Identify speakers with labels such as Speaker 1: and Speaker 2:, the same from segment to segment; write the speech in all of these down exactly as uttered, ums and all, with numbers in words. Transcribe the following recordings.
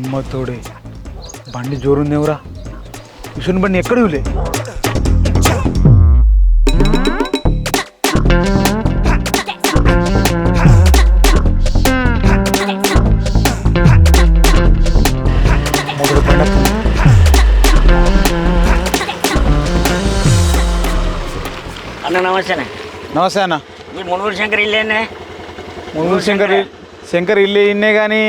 Speaker 1: అమ్మ తోడే బండి జోరుందేవురా విషుని బండి ఎక్కడ విలే మొదటి బండి
Speaker 2: అన్న నమస్తే
Speaker 1: నమస్తే అన్న
Speaker 2: ఈ మునుగురు శంకర్ ఇల్లేనే
Speaker 1: మునుగురు శంకర్ శంకర్ ఇల్లు ఇన్నే కానీ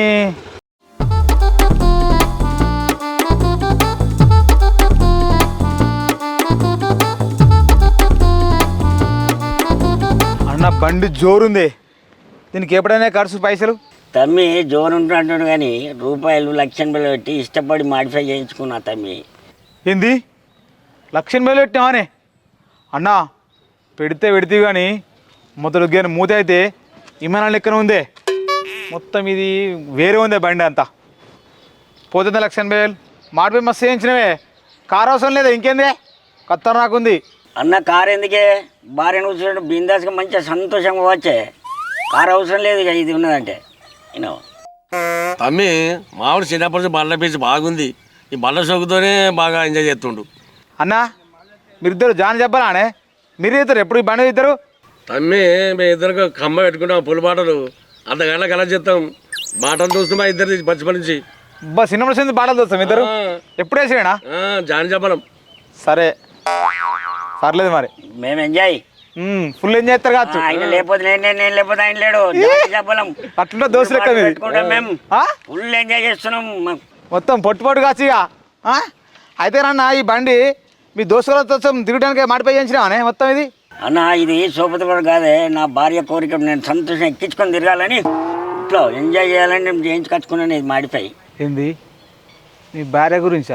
Speaker 1: అన్న బండి జోరుంది దీనికి ఎప్పుడైనా ఖర్చు పైసలు
Speaker 2: తమ్మి జోరు ఉంటున్నాడు కానీ రూపాయలు లక్ష బిల్లు పెట్టి ఇష్టపడి మాడిఫై చేయించుకున్నా తమ్మి.
Speaker 1: ఏంది లక్ష వేలు పెట్టినావానే అన్నా పెడితే పెడితే కానీ మొదలు కానీ మూత అయితే విమానాల లెక్కన ఉందే మొత్తం ఇది వేరే ఉందే బండి అంతా పోతుంది లక్ష ఎనభై వేలు మాడిపోయి మస్తు చేయించినవే కారు అవసరం లేదా ఇంకేందే కొత్త నాకుంది
Speaker 2: అన్న కారు ఎందుకే భార్యను కూర్చున్నట్టు బిందాస్గా మంచిగా సంతోషంగా వచ్చే కారు అవసరం లేదు ఇక ఇది ఉన్నదంటే నేను
Speaker 3: తమ్మి మామిడి చిన్నప్పటి నుంచి బల్ల పీచి బాగుంది ఈ బల్ల సోకుతోనే బాగా ఎంజాయ్ చేస్తుండు.
Speaker 1: అన్నా మీరిద్దరు జాన్ చెప్పాలానే మీరు ఇద్దరు ఎప్పుడు ఈ బండి ఇద్దరు
Speaker 3: తమ్మి మేము ఇద్దరికి కమ్మ పెట్టుకుంటాం పులి బాటలు అర్ధ గంట కల చేస్తాం బాటలు చూస్తున్నాం ఇద్దరు బచ్చిపడి నుంచి
Speaker 1: బా సినిమా నుంచి బాటలు చూస్తాం ఇద్దరు ఎప్పుడు వేసినా
Speaker 3: జాని చెప్పడం
Speaker 1: సరే పర్లేదు మరి
Speaker 2: మేము ఎంజాయ్
Speaker 1: ఫుల్ ఎంజాయ్ చేస్తారు కావచ్చు
Speaker 2: ఆయన లేకపోతే నేను నేను లేకపోతే ఆయన లేడు చెప్పలేం
Speaker 1: అట్లా దోశ లెక్క
Speaker 2: పెట్టుకుంటాం మేము ఫుల్ ఎంజాయ్ చేస్తున్నాం
Speaker 1: మొత్తం పొట్టు పొట్టు కావచ్చు ఇక అయితే రన్న ఈ బండి మీ దోస్తులతో తిరగడానికి మాడిపోయి చేయించినావానే మొత్తం ఇది
Speaker 2: అన్న ఇది సోపతి కూడా కాదే నా భార్య కోరిక నేను సంతోషం ఎక్కించుకొని తిరగాలని ఇంట్లో ఎంజాయ్ చేయాలని నేను చేయించుకొచ్చుకున్నాను ఇది మాడిఫై.
Speaker 1: ఏంది మీ భార్య గురించా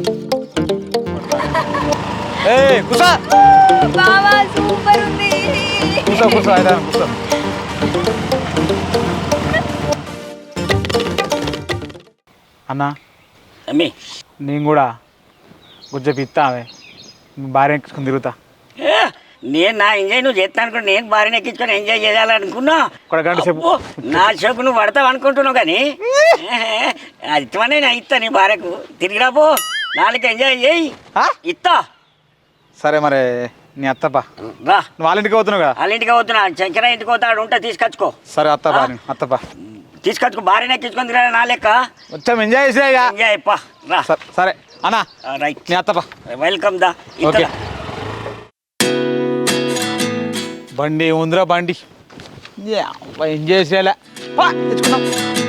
Speaker 1: ఏ కుసా
Speaker 4: బావా సూపర్ ఉంది
Speaker 1: కూర్చో కూర్చో అయితే కూర్చో అన్నా
Speaker 2: అమ్మి
Speaker 1: నేను కూడా కొంచెం ఇస్తావే మీ భార్య ఎక్కించుకుని తిరుగుతా
Speaker 2: ఏ, నేను నా ఎంజాయ్ నువ్వు చేస్తాను అనుకుంటా నేను భార్యను ఎక్కించుకొని ఎంజాయ్ చేయాలనుకున్నా
Speaker 1: ఒక గంట సేపు
Speaker 2: అబ్బో, నా షోకు నువ్వు పడతావు అనుకుంటున్నావు కానీ అది ఇస్తామనే నేను ఇస్తా నీ భార్యకు తిరిగిరాబో నాలుగు ఎంజాయ్ చేయి ఇస్తా.
Speaker 1: సరే మరి నీ అత్తప్ప
Speaker 2: రా
Speaker 1: నువ్వు వాళ్ళ ఇంటికి పోతున్నావు కదా
Speaker 2: వాళ్ళ ఇంటికి పోతున్నా శంకర ఇంటికి పోతాడు ఉంటే తీసుకొచ్చుకో
Speaker 1: సరే అత్తప్ప అత్తప్ప
Speaker 2: తీసుకొచ్చుకో భార్యను ఎక్కించుకొని తిరగా నా లెక్క
Speaker 1: మొత్తం ఎంజాయ్ చేసే ఇక
Speaker 2: ఎంజాయ్ పా రా
Speaker 1: సరే అన్నా
Speaker 2: రైట్
Speaker 1: నీ అత్తప్ప
Speaker 2: వెల్కమ్ దా
Speaker 1: ఓకే బండి ఉందిరా బండి ఎంజాయ్ చేసేలా తెచ్చుకున్నాం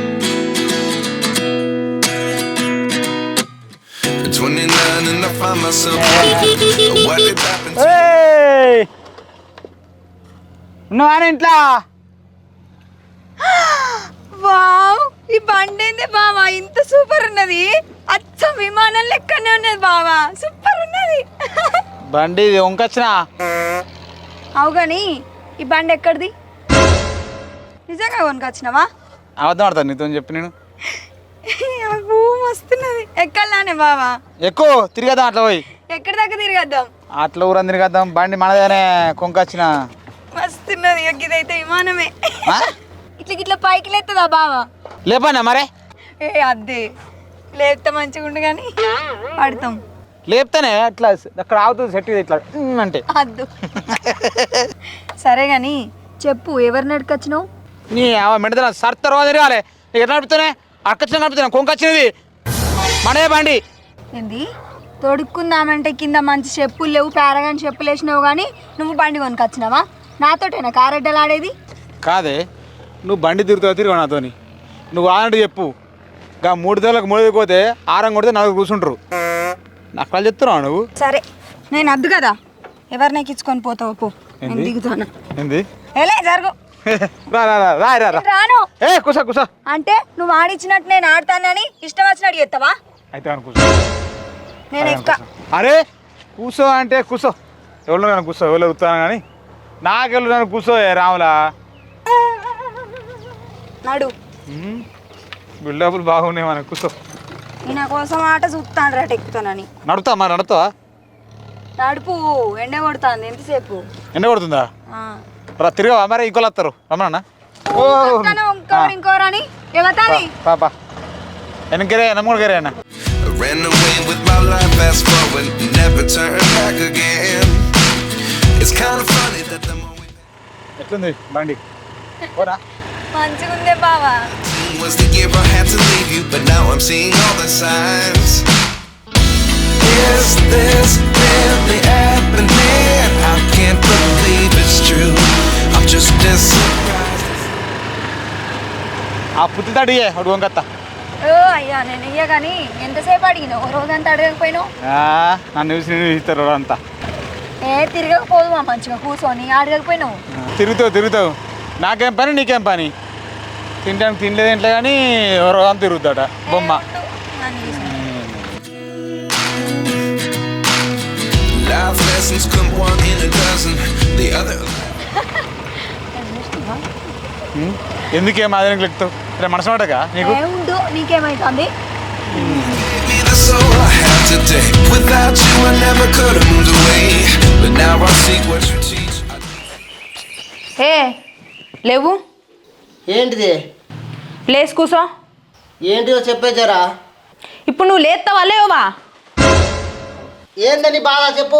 Speaker 1: ఉన్నావా ఇంట్లో
Speaker 4: వావ్ ఈ బండి ఏంది బావా ఇంత సూపర్ ఉన్నది అచ్చ విమానం లెక్కనే ఉన్నది బావా సూపర్ ఉన్నది
Speaker 1: బండి వంకొచ్చినా
Speaker 4: అవు కానీ ఈ బండి ఎక్కడిది నిజంగా కొనుకొచ్చినావా
Speaker 1: అబద్ధం ఆడతాను నీతో చెప్పి నేను
Speaker 4: అబ్బో మస్తున్నది ఎక్కడలానే బావా
Speaker 1: ఎక్కువ తిరిగేద్దాం అట్లా పోయి
Speaker 4: ఎక్కడి దాకా తిరిగేద్దాం
Speaker 1: అట్లా ఊరందరి తిరిగేద్దాం బండి మనదేనే కొంకొచ్చిన
Speaker 4: మస్తున్నది ఇదైతే విమానమే ఇట్లా ఇట్లా పైకి లేస్తుందా బావా
Speaker 1: లేపన్నా మరే
Speaker 4: ఏ అద్దే లేపితే మంచిగా ఉండు కానీ పడతాం
Speaker 1: లేపుతానే అట్లా అక్కడ ఆగుతుంది సెట్ ఇట్లా ఉమ్ అంటే
Speaker 4: అద్దు సరే కానీ చెప్పు ఎవరు నడుకొచ్చినావు
Speaker 1: నీ మెడద సర్ తర్వాత తిరగాలి ఎట్లా నడుపుతానే అక్కచ్చిన నడుపుతాను కొంకొచ్చినది మడే బండి
Speaker 4: ఏంది తొడుక్కుందామంటే కింద మంచి చెప్పులు లేవు పారగాని చెప్పులు వేసినావు కానీ నువ్వు బండి కొనుకొచ్చినావా నాతోటేనా కారెడ్డలు ఆడేది
Speaker 1: కాదే నువ్వు బండి తిరుగుతావు తిరుగు నాతోని నువ్వు ఆనంటే చెప్పు ఇంకా మూడు తేలకు మూడు పోతే ఆరం కొడితే నలుగురు కూర్చుంటారు నాకు వాళ్ళు చెప్తున్నావు నువ్వు
Speaker 4: సరే నేను అద్దు కదా ఎవరిని ఎక్కించుకొని పోతావు పో నేను దిగుతాను
Speaker 1: ఏంది
Speaker 4: ఏలే జరుగు
Speaker 1: రా రా రా రా రా రా
Speaker 4: రాను
Speaker 1: ఏ కుసా కుసా
Speaker 4: అంటే నువ్వు ఆడిచ్చినట్టు నేను ఆడతానని ఇష్టం వచ్చినట్టు చెప్తావా
Speaker 1: అయితే అని కూర్చో
Speaker 4: నేను ఎక్క
Speaker 1: అరే కూర్చో అంటే కూర్చో ఎవరు కానీ కూర్చో ఎవరు ఉత్తాను కానీ నాకెళ్ళు నన్ను కూర్చో రాములా
Speaker 4: నడు
Speaker 1: బిల్డప్లు బాగున్నాయి మనకు కూర్చో
Speaker 4: నా కోసం ఆట చూస్తాను రా ఎక్కుతానని
Speaker 1: నడుతా మరి నడుతావా
Speaker 4: నడుపు ఎండ కొడుతుంది ఎంతసేపు
Speaker 1: ఎండ కొడుతుందా రా తిరగవా మరి ఇంకోళ్ళు వస్తారు రమ్మన్నా
Speaker 4: ఇంకోరు ఇంకోరు అని ఎవతాది
Speaker 1: పాపా వెనకరే వెనకరే అన్న
Speaker 5: I ran away with my life, fast forward, never turn back again. It's kind of funny that the more we
Speaker 1: ఎట్లుంది బండి పోరా
Speaker 4: మంచిగా ఉందే బావా.
Speaker 5: was the year I had to leave you, but now I'm seeing all the signs. Is this really happening? I can't believe it's true. I'm just as surprised.
Speaker 1: ఆ పుత్తి తడియే అడుగు వంకత్త
Speaker 4: ఓ అయ్యా నేను ఇయ్య కానీ ఎంతసేపు అడిగినావు ఓ రోజంతా అడగకపోయినావు.
Speaker 1: నన్ను చూసి నేను ఇస్తారు అంతా
Speaker 4: ఏ తిరగకపోదు మా మంచిగా కూర్చొని అడగకపోయినావు.
Speaker 1: తిరుగుతావు తిరుగుతావు నాకేం పని నీకేం పని తినడానికి తినలేదు ఇంట్లో కానీ ఎవరో అంత తిరుగుతాడ బొమ్మ
Speaker 4: నన్ను చూసి.
Speaker 5: Life lessons come one in a dozen. The other.
Speaker 1: ఎందుకేం అదే లెక్కుతావు రే మనసు మాటగా నీకు
Speaker 4: ఏ ఉండు నీకేమైతుంది.
Speaker 5: Gave me the soul I have today. Without you, I never could have moved away. But now I see what you teach.
Speaker 6: ఏ లేవు
Speaker 7: ఏంటిది
Speaker 6: లేచి కూసో.
Speaker 7: ఏంటిదో చెప్పేచారా
Speaker 6: ఇప్పుడు నువ్వు లేస్తావా లేవా?
Speaker 7: ఏందని బాధ చెప్పు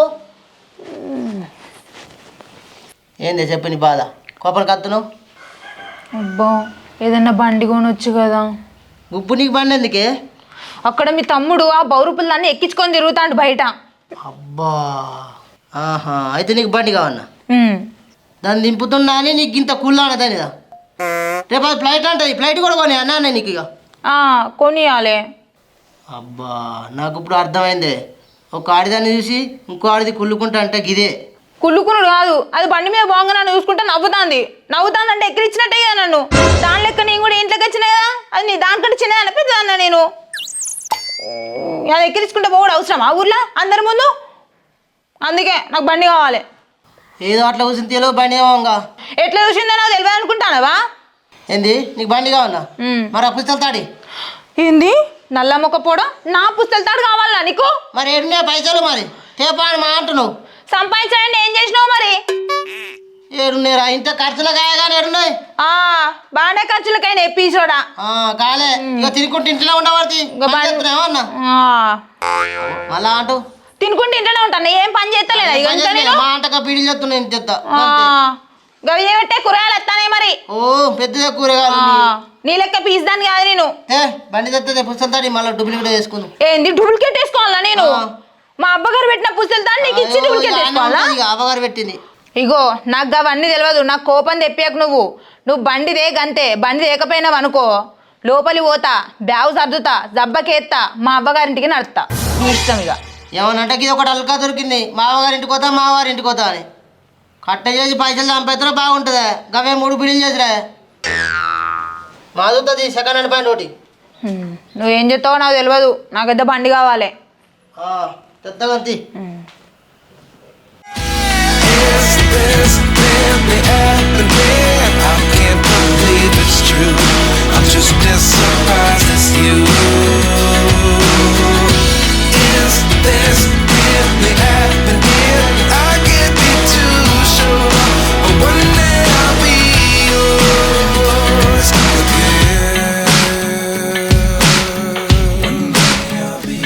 Speaker 7: ఏంది చెప్పు నీ బాధ కోపం కత్తును
Speaker 6: అబ్బా ఏదన్నా బండి కొనొచ్చు కదా.
Speaker 7: ఉప్పు నీకు బండి ఎందుకే
Speaker 6: అక్కడ మీ తమ్ముడు ఆ బౌరుపులు దాన్ని ఎక్కించుకొని తిరుగుతాండు బయట.
Speaker 7: అబ్బా ఆహా అయితే నీకు బండి కావన్నా
Speaker 6: ఉమ్.
Speaker 7: దాన్ని దింపుతున్నా అని నీకు ఇంత కుళ్ళాన దానిదా రేపు అది ఫ్లైట్ అంటది ఫ్లైట్ కూడా కొని అన్నా నీకు ఇక
Speaker 6: ఆ, కొనియాలే.
Speaker 7: అబ్బా నాకు ఇప్పుడు అర్థమైందే ఒక ఆడిదాన్ని చూసి ఇంకో ఆడిది కుళ్ళుకుంటా అంటే గిదే
Speaker 6: కుళ్ళుకునుడు కాదు అది బండి మీద బాగా నన్ను చూసుకుంటే నవ్వుతాంది. నవ్వుతాంది అంటే ఎక్కిరిచ్చినట్టే కదా నన్ను. దాని లెక్క నేను కూడా ఇంట్లోకి వచ్చినా కదా అది నీ దానికంటే చిన్నది అనిపిస్తుందన్న నేను. అది ఎక్కిరించుకుంటే పోవడం అవసరమా ఊర్లో అందరి ముందు? అందుకే నాకు బండి కావాలి.
Speaker 7: ఏదో అట్లా కూర్చుని తెలియదు బండి కావంగా
Speaker 6: ఎట్లా చూసిందో నాకు తెలియదు అనుకుంటానవా?
Speaker 7: ఏంది నీకు బండి కావన్నా మరి ఆ పుస్తకాలు తాడి
Speaker 6: ఏంది నల్ల మొక్క పోవడం నా పుస్తకాలు తాడు కావాలా నీకు?
Speaker 7: మరి ఏడున్నాయి పైసలు మరి తేపా అని మా అంటున్నావు
Speaker 6: సంపాదించాలంటే ఏం చేసినావు మరి?
Speaker 7: ఏడున్నాయిరా ఇంత ఖర్చులు కాయగానే ఏడున్నాయి
Speaker 6: ఆ బాగానే ఖర్చులకైనా ఎప్పిసోడా
Speaker 7: కాలే ఇక తినుకుంటే ఇంట్లో ఉండబడి అన్న మళ్ళా అంటూ
Speaker 6: తినుకుంటే ఇంట్లోనే ఉంటాను ఏం పని చేస్తలేదా ఇక ఇంట్లో నేను?
Speaker 7: మా అంటగా పీడిలు చెప్తున్నా నేను చెప్తా
Speaker 6: గవి పెట్టే కూరగాయలు వస్తానే మరి.
Speaker 7: ఓ పెద్దదే కూరగాయలు
Speaker 6: నీ లెక్క పీస్ దాన్ని కాదు నేను.
Speaker 7: ఏ బండి తెస్తే పుస్తకం తాడి మళ్ళీ డూప్లికేట్ చేసుకుందాం
Speaker 6: ఏంది డూప్లికేట్ వేసుకోవాలా నేను? మా అబ్బగారు పెట్టిన పుస్తకాలు దాన్ని నీకు ఇచ్చి డూప్లికేట్ వేసుకోవాలా?
Speaker 7: అవ్వగారు పెట్టింది
Speaker 6: ఇగో నాకు అవన్నీ తెలియదు. నాకు కోపం తెప్పాక నువ్వు నువ్వు బండి దే గంతే. బండి దేకపోయినావు అనుకో లోపలి పోతా బ్యాగు సర్దుతా జబ్బకేత్తా మా అబ్బగారింటికి నడుస్తా నీ ఇష్టం. ఇక
Speaker 7: ఏమనంటే ఇది ఒకటి అల్కా దొరికింది మావగారి ఇంటికి పోతా మావారి ఇంటికి పోతా అని కట్ట చేసి పైసలు చంపేస్తారో బాగుంటుందా గవే మూడు బిల్లులు చేసిరా మాదుతుంది సెకండ్ హ్యాండ్ ప్యాంట్ ఒకటి
Speaker 6: నువ్వేం చెప్తావో నాకు తెలియదు. నాకైతే బండి కావాలి.
Speaker 7: పెద్దగంతి
Speaker 5: Is this really happening? I can't believe it's true. I'm just as surprised as you. Is this really happening? I can't be too sure. But one day I'll be yours again. One day I'll be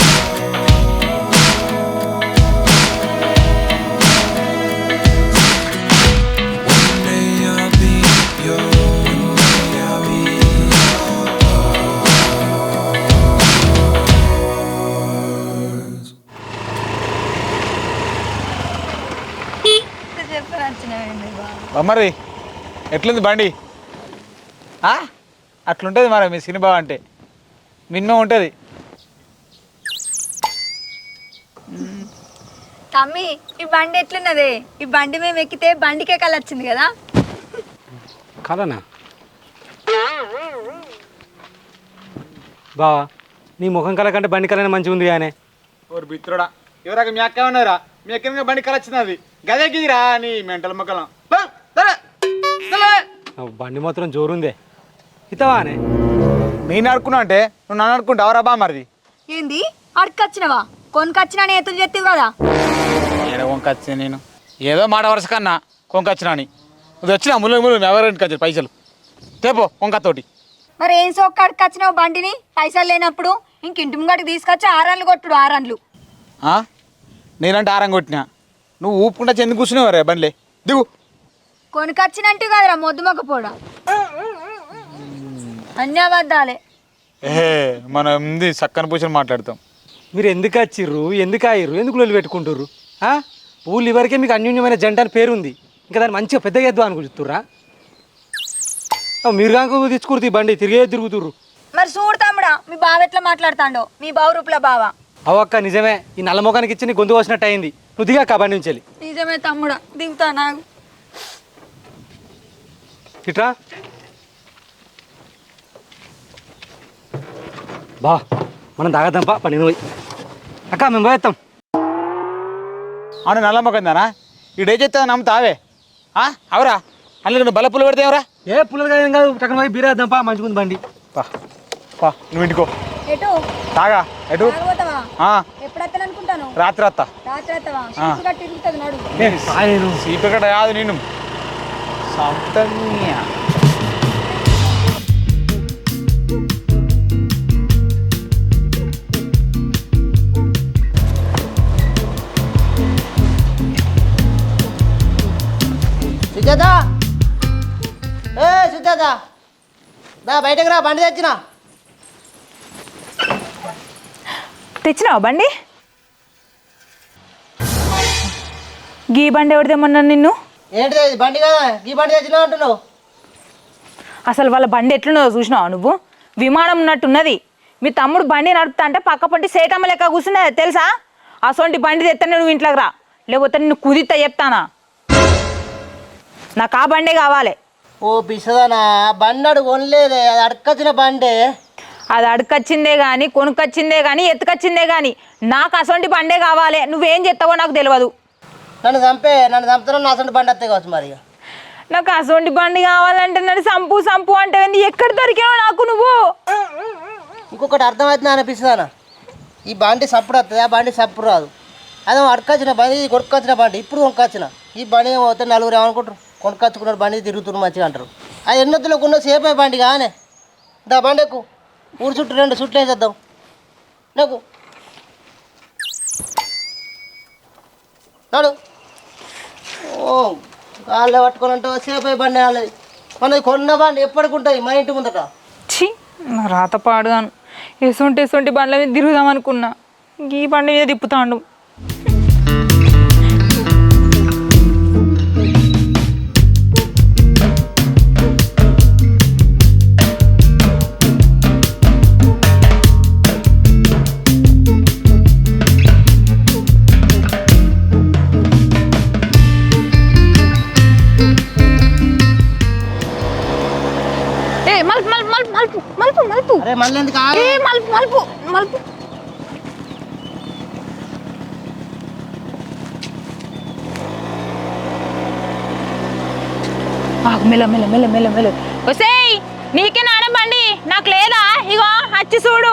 Speaker 1: మరి ఎట్లుంది బండి? అట్లుంటుంది మరి మీ cinema అంటే minimum ఉంటుంది.
Speaker 4: తమ్మి ఈ బండి ఎట్లున్నదే? ఈ బండి మేము ఎక్కితే బండికే కళ వచ్చింది కదా.
Speaker 8: కలనా బావా నీ ముఖం కళ కంటే బండి కళనే మంచిగా ఉంది కానీ
Speaker 1: ఓరు బిత్రుడా ఎవరాక మీ అక్క ఉన్నారా? మీ ఎక్కడ బండి కళ వచ్చింది అది గదే గిదిరా నీ మెంటల్ మొక్కలం
Speaker 8: బండి మాత్రం జోరుందే ఇతవానే.
Speaker 1: నేను అడుకున్నా అంటే నువ్వు నన్ను అనుకుంటావరా బా మరిది?
Speaker 4: ఏంది అడకొచ్చినవా? కొనుకొచ్చినా నేతులు చెత్తివి కదా.
Speaker 1: ఏదో వంకొచ్చిన నేను ఏదో మాట వరుస కన్నా కొంకొచ్చినా అని నువ్వు వచ్చినా ముళ్ళు ముళ్ళు ఎవరింటికి వచ్చారు పైసలు తేపో వంకతోటి.
Speaker 4: మరి ఏం సోక్క అడుకొచ్చినావు బండిని పైసలు లేనప్పుడు ఇంక ఇంటి ముంగటికి తీసుకొచ్చి ఆరన్లు కొట్టుడు ఆరన్లు.
Speaker 1: ఆ? నేనంటే ఆరం కొట్టినా నువ్వు ఊపుకుంటా చెంది కూర్చునేవా రే బండ్లే దిగు.
Speaker 4: కొనుకొచ్చినట్టు కదరా మొద్దుమొక్క పోడ అన్నీ అబద్ధాలే.
Speaker 1: ఏ మనం ఉంది చక్కని పూసలు మాట్లాడతాం.
Speaker 8: మీరు ఎందుకు వచ్చిర్రు, ఎందుకు ఆయిర్రు, ఎందుకు లొల్లి పెట్టుకుంటుర్రు? ఊళ్ళు ఇవరకే మీకు అన్యోన్యమైన జంట అని పేరు ఉంది, ఇంకా దాన్ని మంచిగా పెద్దగా ఎద్దు అనుకుంటుర్రా? మీరు కాక తెచ్చుకుర్రు ఈ బండి తిరిగే తిరుగుతుర్రు.
Speaker 4: మరి చూడు తమ్ముడా మీ బావ ఎట్లా మాట్లాడుతాండో, మీ బావ రూపుల బావ.
Speaker 8: అవక్క నిజమే, ఈ నల్ల మొఖానికి ఇచ్చి నీ గొంతు వచ్చినట్టు అయింది. నువ్వు దిగా బండి నుంచి వెళ్ళి.
Speaker 4: నిజమే తమ్ముడా దిగుతా నాకు.
Speaker 8: ఇట్రా బా మనం తాగద్దాంపా పని పోయి. అక్క మేము పోయేస్తాం.
Speaker 1: అవును నల్లమ్మకందానా ఈడే చెప్తా నమ్ముతావే అవరా అందులో నువ్వు బల్ల పుల్ల పెడితే ఎవరా?
Speaker 8: ఏ పుల్లలు కాదు ఏం కాదు, చక్కన పోయి బీరేద్దాంపా మంచిగుంది బండి.
Speaker 1: పా పా నువ్వు ఇంటికో
Speaker 4: ఎటు
Speaker 1: తాగా ఎటు
Speaker 4: తాగబోతావా?
Speaker 1: ఆ,
Speaker 4: ఎప్పుడు వస్తాను అనుకుంటాను.
Speaker 1: రాత్రి వస్తా.
Speaker 4: రాత్రి వస్తావా? చీపురు కట్టి తిరుగుతుంది నడు.
Speaker 8: ఆయన
Speaker 1: సీపకట కాదు నేను సంతన్యా.
Speaker 7: సుజాత, ఏ సుజాత దా బయటకు రా, బండి తెచ్చినా.
Speaker 6: తెచ్చినావా బండి? గీ బండి ఎవరిదేమన్నా నిన్ను?
Speaker 7: ఏంటిది ఇది బండి కదా, ఈ బండి తెచ్చినా అంటున్నావు?
Speaker 6: అసలు వాళ్ళ బండి ఎట్లున్నదో చూసినావా నువ్వు? విమానం ఉన్నట్టున్నది. మీ తమ్ముడు బండి నడుపుతా అంటే పక్క పంటి సేటమ్మ లెక్క కూర్చున్నది తెలుసా? అసొంటి బండి తెత్తనే నువ్వు ఇంట్లోకి రా, లేకపోతే నిన్ను కుదిత్తా చెప్తానా. నాకు ఆ బండే కావాలి.
Speaker 7: ఓ పిసదానా, బండి అడుగు కొనలేదే, అది అడకొచ్చిన బండే.
Speaker 6: అది అడుకొచ్చిందే కానీ కొనుక్కొచ్చిందే కానీ ఎత్తుకొచ్చిందే కానీ నాకు అసొంటి బండే కావాలి. నువ్వేం చేస్తావో నాకు తెలియదు.
Speaker 7: నన్ను చంపే, నన్ను చంపుతున్నా నా అసలు బండి వస్తాయి కావచ్చు మరి.
Speaker 6: నాకు అసొంటి బండి కావాలంటే నన్ను సంపు సంపు అంటే ఎక్కడ దొరికావో నాకు నువ్వు.
Speaker 7: ఇంకొకటి అర్థమవుతుంది అనిపిస్తుందనా, ఈ బండి సప్పుడు వస్తుంది, ఆ బండి సప్పుడు రాదు. అదే అడకొచ్చిన బండి, ఇది కొనుక్కొచ్చిన బండి, ఇప్పుడు కొనుక్కొచ్చిన ఈ బండి ఏమవుతే నలుగురు ఏమనుకుంటారు, కొనుక్కొచ్చుకున్నాడు బండి తిరుగుతున్నారు మంచిగా అంటారు. అది ఎన్నొద్దులకు ఉన్న సేపు అయ్యి బండి కానీ దా బండి ఎక్కువ ఊరు చుట్టూ రెండు చుట్లు వేసేద్దాం నాకు నాడు. ఓ కాళ్ళే పట్టుకొని అంటే సేపు అయ్యి బండి వాళ్ళది, మనది కొన్న బండి ఎప్పటికి ఉంటుంది మా ఇంటి ముందట.
Speaker 6: ఛీ నా రాత పాడుగాను. ఎసొంటి ఎసొంటి బండ్ల మీద తిరుగుదాం అనుకున్నా, ఈ బండి మీద తిప్పుతాండు. మలుపు మలుపు మలుపు మలుపు మలుపు మలుపు
Speaker 7: అరే మళ్ళీ ఎందుకు
Speaker 6: ఏ మలుపు మలుపు మలుపు. మెల్ల మెల్ల మెల్ల మెల్ల మెల్ల వసేయ్, నీకే నాన్న బండి నాకు లేదా? ఇగో వచ్చి చూడు.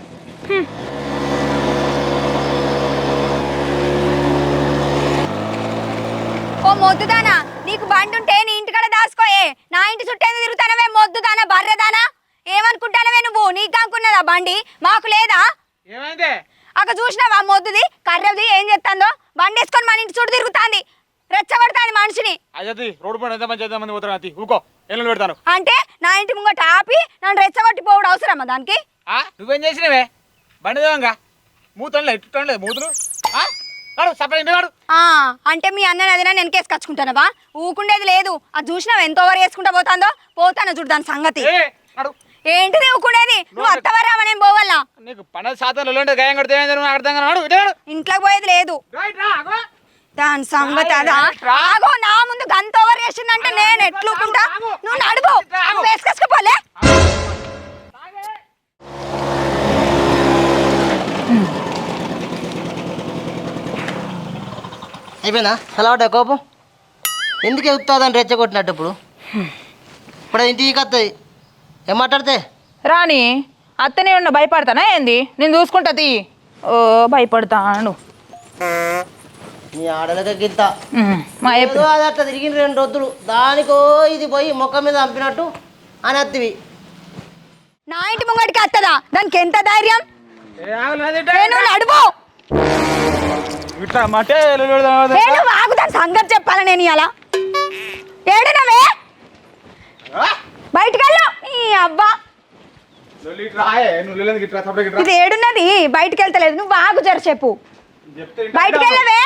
Speaker 4: ఓ మొద్దుదానా, నీకు బండి ఉంటే నీ ఇంటికాడ దాసుకోయే, నా ఇంటి చుట్టేందుకు తిరుగుతానవే మొద్దుదానా బర్రెదానా? ఏమనుకుంటానవే నువ్వు? నీకు అనుకున్నదా బండి, మాకు లేదా?
Speaker 1: ఏమైందే
Speaker 4: అక్కడ చూసినావా మొద్దుది కర్రది ఏం చేస్తుందో? బండి వేసుకొని మన ఇంటి చుట్టూ తిరుగుతాంది, రెచ్చగొడతాంది మనిషిని.
Speaker 1: అజతి రోడ్డు పైన ఎంతమంది ఎంతమంది పోతారు అతి ఊకో ఎల్లు పెడతాను.
Speaker 4: అంటే నా ఇంటి ముంగట ఆపి నన్ను రెచ్చగొట్టి పోవడం అవసరమా దానికి?
Speaker 1: నువ్వేం చేసినవే బండి దేవంగా మూతంలో ఎట్టులేదు మూతులు
Speaker 4: ఆ అంటే మీ అన్నని అదినా వెనకేసి కచ్చుకుంటానవా? ఊకుండేది లేదు. అది చూసినావు ఎంత ఓవర్ వేసుకుంటా పోతాందో. పోతాను చూడు దాని సంగతి. ఏంటిది ఊకుండేది? నువ్వు అత్తవరామనేం పోవాలా?
Speaker 1: నీకు పన్నెండు శాతం గాయం కడితే
Speaker 4: ఇంట్లోకి పోయేది లేదు దాని సంగతి. అదా ఆగో, నా ముందు గంత ఓవర్ చేసిందంటే నేను ఎట్లుకుంటా? నువ్వు నడువు, నువ్వు వేసుకొచ్చుకోపోలే.
Speaker 7: అయిపోయినా అలవాట కోపం ఎందుకు ఎగుతుందని రెచ్చగొట్టినట్టు. ఇప్పుడు ఇప్పుడు ఇంటికి వస్తుంది ఏం మాట్లాడితే
Speaker 6: రాని అత్తనే ఉన్న భయపడతానా ఏంది? నేను చూసుకుంటా తీ. ఓ భయపడతాను
Speaker 7: నీ ఆడలకే గింత
Speaker 6: మా
Speaker 7: ఏదో అది అట్లా తిరిగిన రెండు రొద్దులు దానికో ఇది పోయి మొక్క మీద చంపినట్టు అని అత్తివి.
Speaker 4: నా ఇంటి ముంగడికి వస్తుందా? దానికి ఎంత ధైర్యం?
Speaker 1: ఏ ఆగలు నాది ఇట్ట.
Speaker 4: నేను నడువు.
Speaker 1: ఇట్లా అంటే
Speaker 4: నేను ఆగు, దాని సంగతి చెప్పాలి నేను ఇలా. ఏడునవే బయటికి వెళ్ళు. ఈ అబ్బా
Speaker 1: లొల్లి ఇట్లా ఆయే, నువ్వు లొల్లి ఇట్లా సపరేట్ ఇట్లా
Speaker 4: ఇది ఏడున్నది, బయటికి వెళ్తలేదు. నువ్వు ఆగు జరసేపు,
Speaker 1: చెప్తే
Speaker 4: బయటికి వెళ్ళవే.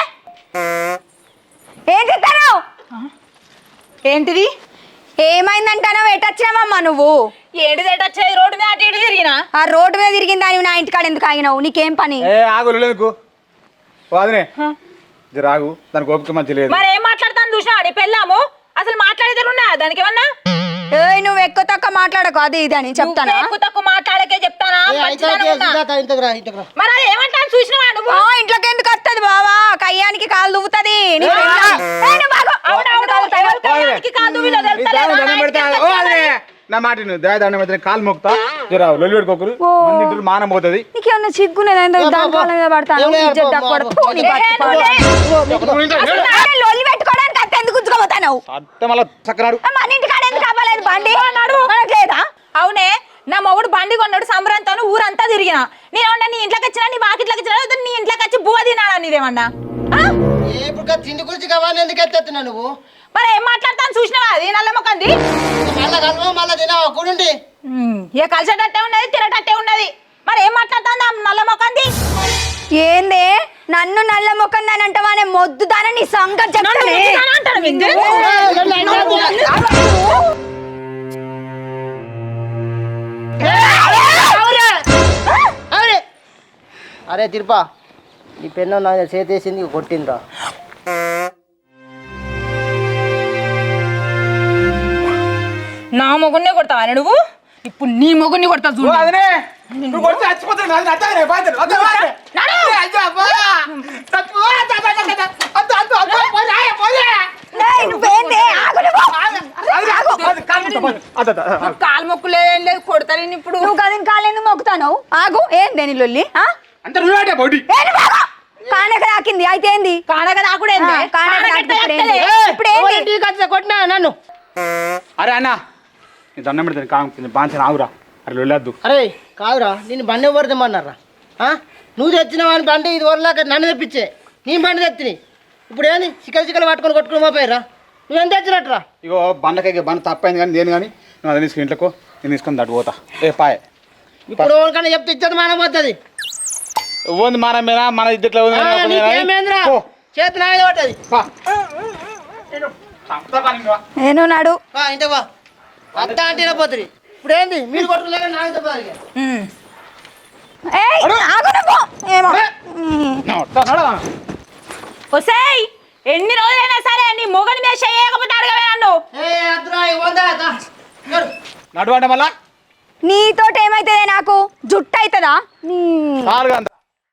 Speaker 4: ఏం చెప్తాను?
Speaker 6: ఏంటిది?
Speaker 4: ఏమైందంటానో ఎటొచ్చినావమ్మా నువ్వు?
Speaker 6: ఏంటిది ఎటొచ్చేది? రోడ్డు మీద అటు ఇటు తిరిగినా.
Speaker 4: ఆ రోడ్డు మీద తిరిగిందా? నువ్వు నా ఇంటికాడ ఎందుకు ఆగినావు? నీకేం పని?
Speaker 1: ఏ ఆగు లొల్లేందుకు వాదినే జర ఆగు, దానికి ఓపిక మంచి లేదు.
Speaker 6: మరి ఏం మాట్లాడతాను చూసినా నీ పెళ్ళాము అసలు మాట్లాడేది ఉన్నా దానికి ఏమన్నా?
Speaker 4: ఏయ్ నువ్వు ఎక్కువ తక్కువ మాట్లాడకు, అది ఇది అని చెప్తానా?
Speaker 6: ఎక్కువ తక్కువ మాట్లాడకే చెప్తానా? మంచిదాని ఉన్నా.
Speaker 7: ఇంతకు రా ఇంతకు రా.
Speaker 6: మరి అది ఏమంటాను చూసినావా నువ్వు?
Speaker 4: ఆ, ఇంట్లోకి ఎందుకు వస్తుంది బావా? కయ్యానికి కాలు దువ్వుతుంది. నీ పెళ్ళాం. ఏయ్, నువ్వు ఆగు.
Speaker 6: అవునవును, ఎవరి కయ్యానికి కాదు వీళ్ళో తెలుస్తలేదా?
Speaker 1: దండం
Speaker 6: నా
Speaker 1: పెడతా.
Speaker 6: ఇంటికి
Speaker 1: ఓ
Speaker 6: వచ్చావని.
Speaker 1: అదే నా మాట నువ్వు దయ దండం పెడితే కాలు మొక్కుతా. జర లొల్లి పెట్టుకోకరు, మంది ఇంటి మానం పోతుంది.
Speaker 4: నీకేమన్నా సిగ్గునేదా? దాని కాళ్ళ మీద పడతాను. ఇజ్జత్ తక్కువ. ఫు, నీ బతుకు పాడు. అసలు నాన్న లొల్లి పెట్టుకోవడానికి అంత ఎందుకు గుంజుకోబోతావు?
Speaker 1: అట్ట మళ్ళా చక్కనాడు.
Speaker 4: మన ఇంటికాడ ఎందుకు అవ్వలేదు బండి? మనకు లేదా?
Speaker 6: అవునే, నా మొగుడు బండి కొన్నాడు సంబరంతో ఊరంతా తిరిగిన. నేనేమన్నా నీ ఇంట్లోకి వచ్చినా నీ వాకిట్లోకి వచ్చినా లేదా నీ ఇంట్లోకి వచ్చి బువ్వ తినాలా నీదేమన్నా? ఆ?
Speaker 7: ఏ ఇప్పుడు తిండి గురించి కావాలి ఎందుకు ఎత్తేస్తున్నా నువ్వు?
Speaker 6: మరి ఏం మాట్లాడతాను చూసినావా? అది నల్ల మొక్కంది.
Speaker 7: మళ్ళా కలవ మళ్ళా తినావా కూడుండి?
Speaker 6: ఇక కలిసేటట్టే ఉన్నది, తినేటట్టే ఉన్నది. మరి ఏం మాట్లాడుతుంది ఆ నల్ల మొక్కంది?
Speaker 4: ఏందే నన్ను నల్ల ముఖం దాని అంటావానే? మొద్దు దాని నీ సంగతి చెప్తానే.
Speaker 6: అంటాను విందు.
Speaker 7: అరే తిరుపా, నీ పెన్ను నా చేతేసింది కొట్టిందిరా.
Speaker 6: నా మొగుడినే కొడతావా నువ్వు? ఇప్పుడు నీ మొగుడిని కొడతా చూడు.
Speaker 1: అదనే నువ్వు కొడితే చచ్చిపోతాను. అది నచ్చనే బాధ్యత. అదే బాధ్యత. అయ్యో అబ్బా. చచ్చిపో. అద్ద అద్ద అద్ద అద్ద అద్ద అద్ద పోయి రాయ పోయి.
Speaker 4: ఏయ్, నువ్వేందే? ఆగు నువ్వు.
Speaker 1: అది ఆగు. అది కాలు మొక్కు. అద్ద అద్ద.
Speaker 6: కాలు మొక్కు లేదేం లేదు, కొడతాను ఇప్పుడు.
Speaker 4: నువ్వు కదిన కాలేందుకు మొక్కుతాను? ఆగు. ఏందే నీ లొల్లి? ఆ?
Speaker 1: అంత నువ్వేటే బౌడి.
Speaker 4: ఏ నువ్వు ఆగు. కానక రాకింది అయితే ఏంది?
Speaker 6: కానక నాకుడే
Speaker 4: ఆ, కానక రాకింది. ఇప్పుడు ఏంది? ఇప్పుడు ఏంది?
Speaker 7: కొట్టినా నన్ను.
Speaker 1: అరే అన్న నీ దండం పెడతాను కాము బాగా ఆగురా. అరే వెళ్ళొద్దు.
Speaker 7: అరే కాదురా, నేను బండి ఎవరు తెమ్మన్నారా? నువ్వు తెచ్చిన వాని బండి ఇది వరలాక నన్ను తెప్పించే. నీ బండి తెచ్చిని ఇప్పుడు ఏంది చిక్కలు చిక్కలు పట్టుకొని కొట్టుకుని మా పోయిరా? నువ్వేం తెచ్చినట్టురా?
Speaker 1: ఇగో బండకాయ బండ తప్పైంది కానీ నేను కానీ నువ్వు అది తీసుకుని ఇంట్లోకి నేను తీసుకొని దట్టు పోతా. ఏ పాయ్
Speaker 7: ఇప్పుడు ఎవరికన్నా చెప్తే ఇచ్చది మానం పోతుంది.
Speaker 1: ఉంది మన మీద మన ఇద్దట్లో
Speaker 7: నీకేమేంద్రా చేతి నా మీద పట్టది.
Speaker 4: నేను నాడు
Speaker 7: ఇంటికి వా, అత్త అంటే పోతుంది. ఇప్పుడు ఏంది మీరు కొట్టుకోలేక నాకు చెప్పాలి.
Speaker 4: ఏయ్, ఆగు నువ్వు. ఏమో.
Speaker 6: ఒసేయ్, ఎన్ని రోజులైనా సరే నీ మొగని మీద చేయకపోతే అడగవే నన్ను.
Speaker 1: నడువంట మళ్ళా
Speaker 4: నీతోటి ఏమైతుందే? నాకు జుట్టు అవుతుందా? నీ
Speaker 1: నాలుగు అంత